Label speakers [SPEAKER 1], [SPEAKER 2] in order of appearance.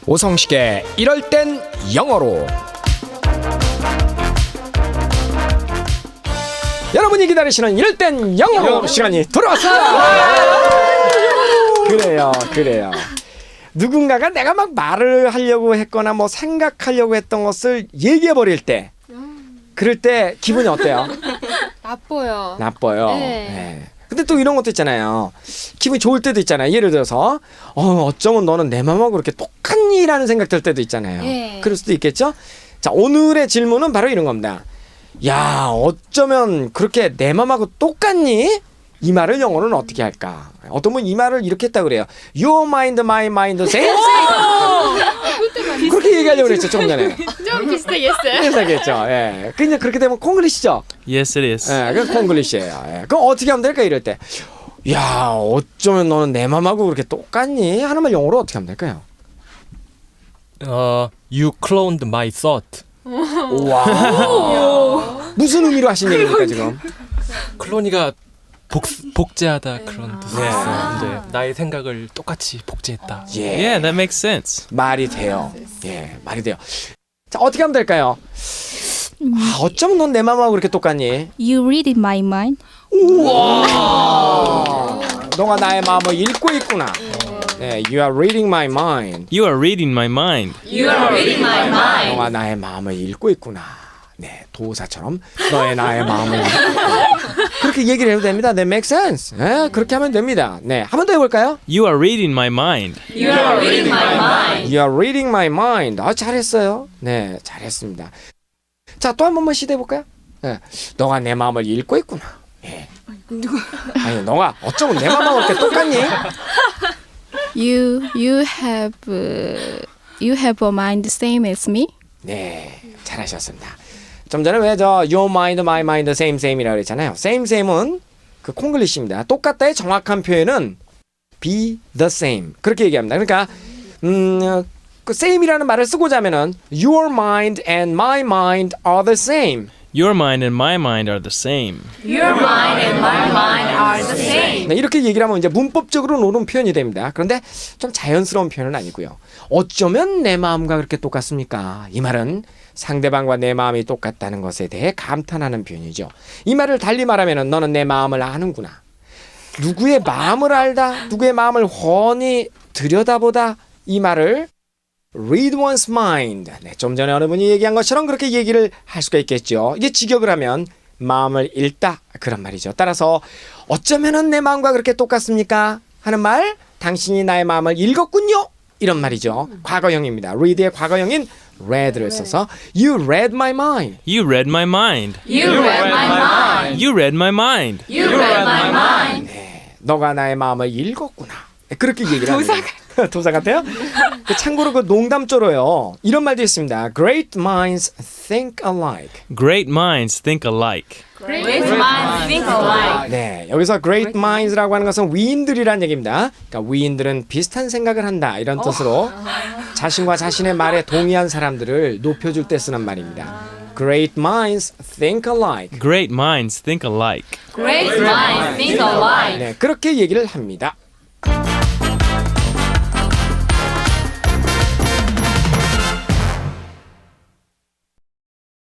[SPEAKER 1] 오성식의 이럴 땐 영어로. 여러분이 기다리시는 이럴 땐 영어로 시간이 돌아왔습니다. 그래요. 누군가가 내가 막 말을 하려고 했거나 뭐 생각하려고 했던 것을 얘기해 버릴 때, 그럴 때 기분이 어때요? 나빠요. 네. 근데 또 이런 것도 있잖아요. 기분이 좋을 때도 있잖아요. 예를 들어서 어쩌면 너는 내 맘하고 그렇게 똑같니? 라는 생각 들 때도 있잖아요.
[SPEAKER 2] 네.
[SPEAKER 1] 그럴 수도 있겠죠? 자, 오늘의 질문은 바로 이런 겁니다. 야, 어쩌면 그렇게 내 맘하고 똑같니? 이 말을 영어로는 어떻게 할까? 어떤 분이 이 말을 이렇게 했다 그래요. Your mind, my mind, same. 그렇게 얘기하려고 그랬죠, 조금 전에.
[SPEAKER 2] 좀 비슷하겠어요.
[SPEAKER 1] 비슷하겠죠. 예. 근데 그렇게 되면 콩글리시죠?
[SPEAKER 3] Yes, it is.
[SPEAKER 1] 예, 그 콩글리시예요. 예. 그럼 어떻게 하면 될까 이럴 때? 야, 어쩌면 너는 내 맘하고 그렇게 똑같니? 하는 말 영어로 어떻게 하면 될까요?
[SPEAKER 3] You cloned my thought.
[SPEAKER 1] 와. 무슨 의미로 하신 얘기입니까 지금?
[SPEAKER 3] 클로니가 복제하다 그런 뜻이 있어요. 네, 나의 생각을 똑같이 복제했다.
[SPEAKER 1] 예.
[SPEAKER 3] Yeah, that makes sense.
[SPEAKER 1] 말이 돼요. 예, 말이 돼요. 자, 어떻게 하면 될까요? 어쩌면 넌 내 맘하고 그렇게 똑같니?
[SPEAKER 4] You read in my mind.
[SPEAKER 1] 너가 나의 마음을 읽고 있구나. 네, you are reading my mind.
[SPEAKER 3] You are reading my mind.
[SPEAKER 1] 너가 나의 마음을 읽고 있구나. 네, 도사처럼 너의 나의 마음을 읽고 그렇게 얘기를 해도 됩니다. 네, make sense. 네, 그렇게 하면 됩니다. 네, 한 번 더 해볼까요?
[SPEAKER 3] You are reading my mind.
[SPEAKER 1] You are reading my mind. 잘했어요. 네, 잘했습니다. 자, 또 한 번만 시도해볼까요? 네, 너가 내 마음을 읽고 있구나. 네. 아니, 너가 어쩌면 내 마음하고 이렇게 똑같니?
[SPEAKER 4] You have a mind same as me.
[SPEAKER 1] 네, 잘하셨습니다. 좀 전에 왜 저 your mind, my mind, same이라고 그랬잖아요. same은 그 콩글리시입니다. 똑같다의 정확한 표현은 be the same 그렇게 얘기합니다. 그러니까 그 same이라는 말을 쓰고자 하면은 your mind and my mind are the same.
[SPEAKER 3] Your mind and my mind are the same.
[SPEAKER 1] 네, 이렇게 얘기를 하면 이제 문법적으로 옳은 표현이 됩니다. 그런데 좀 자연스러운 표현은 아니고요. 어쩌면 내 마음과 그렇게 똑같습니까? 이 말은 상대방과 내 마음이 똑같다는 것에 대해 감탄하는 표현이죠. 이 말을 달리 말하면 너는 내 마음을 아는구나. 누구의 마음을 알다, 누구의 마음을 훤히 들여다보다, 이 말을 read one's mind. 네, 좀 전에 어느 분이 얘기한 것처럼 그렇게 얘기를 할 수가 있겠죠. 이게 직역을 하면 마음을 읽다 그런 말이죠. 따라서 어쩌면은 내 마음과 그렇게 똑같습니까? 하는 말, 당신이 나의 마음을 읽었군요. 이런 말이죠. 과거형입니다. read의 과거형인 read를 써서 You read my mind.
[SPEAKER 3] You read my mind. You read my mind.
[SPEAKER 1] 네, 너가 나의 마음을 읽었구나. 네, 그렇게 얘기를 합니다. 도사 같아요? 참고로 그 농담조로요. 이런 말도 있습니다. Great minds think alike.
[SPEAKER 3] Great minds think alike.
[SPEAKER 1] 네, 여기서 great minds라고 하는 것은 위인들이란 얘기입니다. 그러니까 위인들은 비슷한 생각을 한다 이런 뜻으로 자신과 자신의 말에 동의한 사람들을 높여줄 때 쓰는 말입니다. Great minds think alike.
[SPEAKER 3] Great minds think alike.
[SPEAKER 1] 네, 그렇게 얘기를 합니다.